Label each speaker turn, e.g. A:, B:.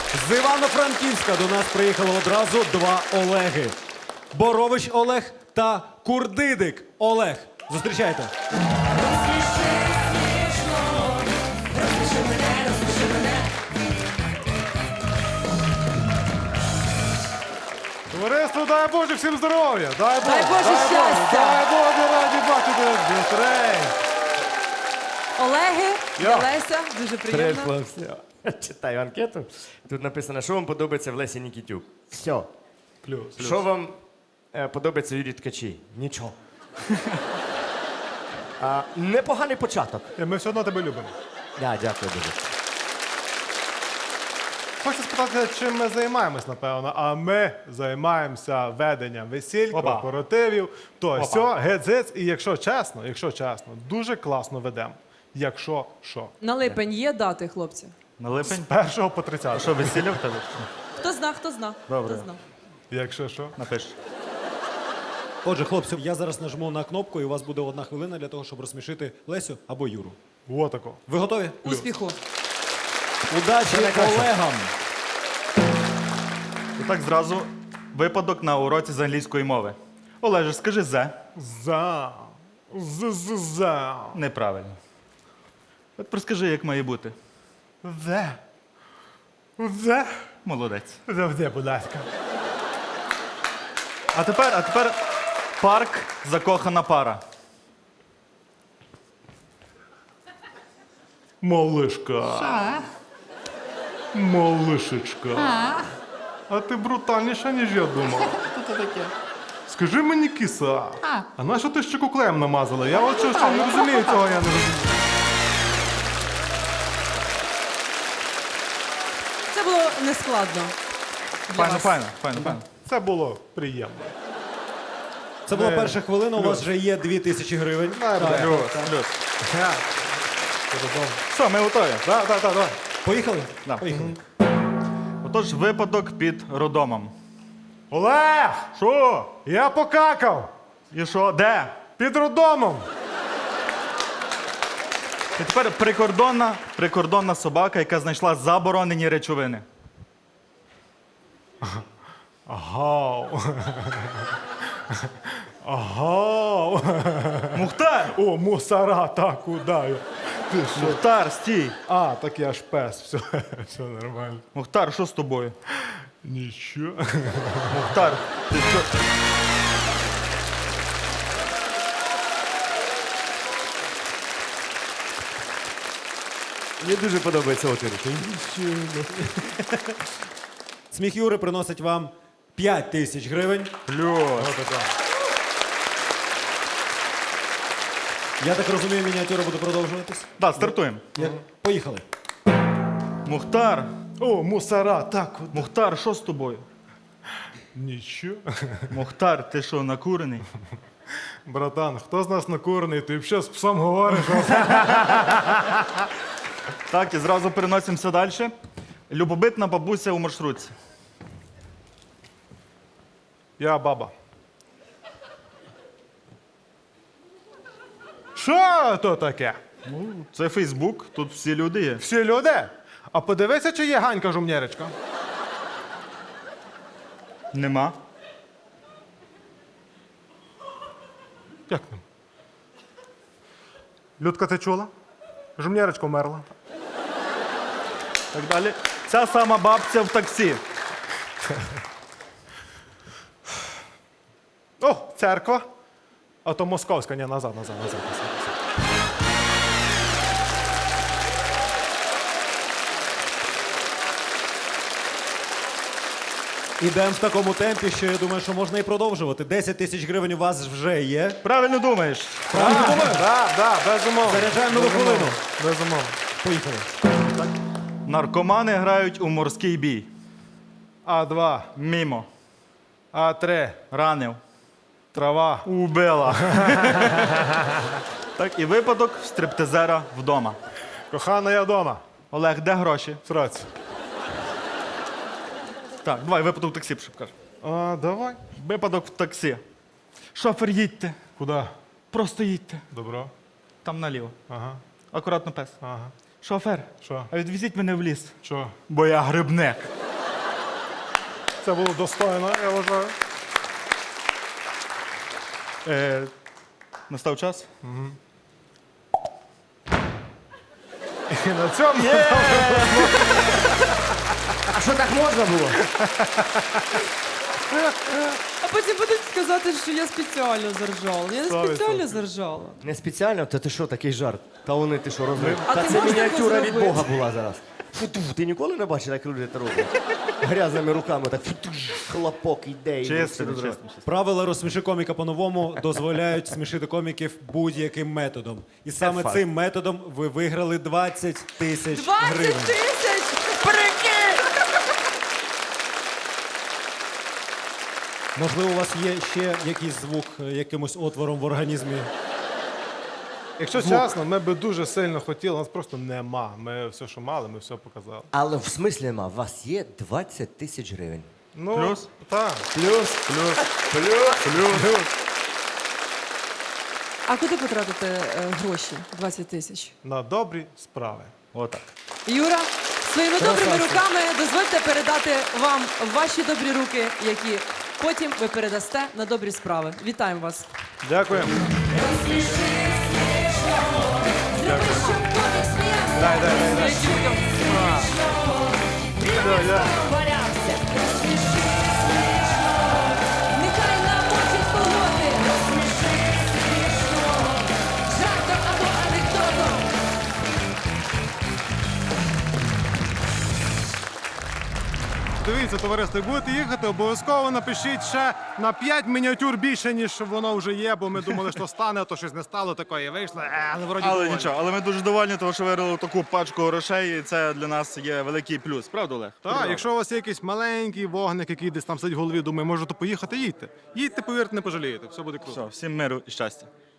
A: З Івано-Франківська до нас приїхало одразу два Олеги. Борович Олег та Курдидик Олег. Зустрічайте.
B: Товариство, дай Боже, всім здоров'я! Дай Боже,
C: Дай Боже щастя!
B: Дай Боже, раді бачити зустріч!
C: Олеги,
B: Я.
C: Леся, дуже приємно.
D: Хлопці. Читаю анкету. Тут написано, що вам подобається в Лесі Нікітюк. Все.
B: Плюс.
D: Що вам подобається в Юрії Ткачі? Нічого. Непоганий початок.
B: Ми все одно тебе любимо.
D: Дякую дуже.
B: Хочу спитати, чим ми займаємось, напевно. А ми займаємося веденням весіль, корпоративів, то сьо, гець-гець. І якщо чесно, дуже класно ведемо. Якщо що.
C: На липень є дати, хлопці?
E: На липень?
B: З 1 по 30.
E: Що, весілля в тебе?
C: Хто зна, хто зна.
E: Добре.
C: Хто зна.
B: Якщо що.
E: Напиш.
A: Отже, хлопці, я зараз нажму на кнопку, і у вас буде 1 хвилина для того, щоб розсмішити Лесю або Юру.
B: Отако.
A: Ви готові?
C: Успіху.
A: Удачі колегам!
E: І так зразу випадок на уроці з англійської мови. Олеже, скажи «зе».
B: За. За.
E: Неправильно. От розкажи, як має бути.
B: Де? Де?
E: Молодець.
B: Завжди, будь ласка.
E: А тепер парк закохана пара.
B: Малишка. Малишечка. А ти брутальніша, ніж я думав.
E: Що це таке?
B: Скажи мені, киса, а на що ти щеку клеєм намазала? Я от що не розумію цього, я не розумію.
C: Це було нескладно. для вас.
E: Файно.
B: Це було приємно.
A: Це була перша хвилина, у вас вже є 2000 гривень.
E: Плюс. Що, ми готові?
B: Так, давай.
A: Поїхали?
E: Да.
A: Поїхали.
E: Отож, випадок під роддомом.
B: Олег!
E: Що?
B: Я покакав!
E: І що? Де?
B: Під роддомом!
E: І тепер прикордонна собака, яка знайшла заборонені речовини.
B: Гау. Гау.
E: Мухтар!
B: О, мусора, так, куди? Ти що?
E: Мухтар, стій!
B: А, так я ж пес, все нормально.
E: Мухтар, що з тобою?
B: Нічого.
E: Мухтар, ти що?
D: Мені дуже подобається отвір.
A: Сміх Юри приносить вам 5000 гривень.
E: Плюс.
A: Я так розумію, мініатюра буде продовжуватись?
E: Так, стартуємо.
A: Поїхали.
E: Мухтар,
B: О, мусора, так, куди?
E: Мухтар, що з тобою?
B: Нічого.
E: Мухтар, ти що, накурений?
B: Братан, хто з нас накурений? Ти взагалі з псом говориш?
E: Так, і зразу переносимося далі. Любобитна бабуся у маршрутці.
B: Я баба. Що то таке?
E: Це Фейсбук, тут всі люди є.
B: Всі люди? А подивися, чи є Ганька Жумнєречка.
E: Нема.
B: Як нема? Людка, ти чула? Жумнєречка вмерла.
E: Так далі. Ця сама бабця в таксі.
B: О, церква. А то московська, ні, назад.
A: Ідемо в такому темпі, що я думаю, що можна і продовжувати. 10 000 гривень у вас вже є.
E: Правильно думаєш?
A: Правильно думаю?
B: Да, безумовно.
A: Заряджаємо нову хвилину.
B: Безумовно.
A: Поїхали.
E: Наркомани грають у морський бій.
B: А2,
E: Мімо.
B: А3,
E: Ранив.
B: трава.
E: Убила. Так, і випадок в стриптизера вдома.
B: Кохана, я вдома.
E: Олег, де гроші?
B: Сраць.
E: Так, давай, випадок в таксі, щоб кажу.
B: А, давай.
E: Випадок в таксі. Шофер, їдьте.
B: Куди?
E: Просто їдьте.
B: Добро.
E: Там наліво.
B: Ага,
E: Акуратно, пес.
B: ага.
E: Шофер,
B: Що?
E: а відвезіть мене в ліс,
B: Що?
E: бо я грибник.
B: Це було достойно, я вважаю.
E: Настав час.
B: І на цьому
D: А що так можна було?
C: А потім будуть сказати, що я спеціально заржала. Я не
B: 100%.
C: спеціально заржала.
D: Не спеціально? Та ти що, такий жарт? Та вони ти що розумієш?
C: А
D: Та
C: ти
D: це
C: можеш
D: мініатюра
C: таке
D: від
C: зробити?
D: Бога була зараз. Фу-ту, ти ніколи не бачив, як люди це роблять? Грязними руками так фу-ту, хлопок іде. і
E: Чесно,
D: всі розривають.
E: чесно.
A: Правила розсміши коміка по-новому дозволяють смішити коміків будь-яким методом. І саме
D: факт.
A: цим методом ви виграли 20 тисяч
C: 20
A: гривень.
C: тисяч! Прикинь!
A: Можливо, у вас є ще якийсь звук якимось отвором в організмі?
B: Якщо чесно, ми би дуже сильно хотіли, нас просто нема. Ми все, що мали, ми все показали.
D: Але в смислі нема, у вас є 20 тисяч гривень.
B: Ну,
E: Плюс?
B: Так.
C: А куди потратите гроші? 20 тисяч?
B: На добрі справи.
E: Отак.
C: Юра, своїми добрими руками дозвольте передати вам ваші добрі руки, які потім ви передасте на добрі справи. Вітаємо вас.
B: Дякую. Дай. Все, я.
F: Нехай намочить колоти. Жартом або анекдотом.
B: Дивіться, товариство, як будете їхати, обов'язково напишіть ще на 5 мініатюр більше, ніж воно вже є, бо ми думали, що стане, а то щось не стало такої, вийшло, але вроді
E: Але
B: доволі.
E: нічого, але ми дуже довольні, тому що виграли таку пачку грошей, і це для нас є великий плюс. Правда, Олег?
B: Так, якщо у вас є якийсь маленький вогник, який десь там сидить в голові, думає, може то поїхати, їдьте. Їдьте, повірте, не пожалієте, все буде круто.
E: Все, всім миру і щастя.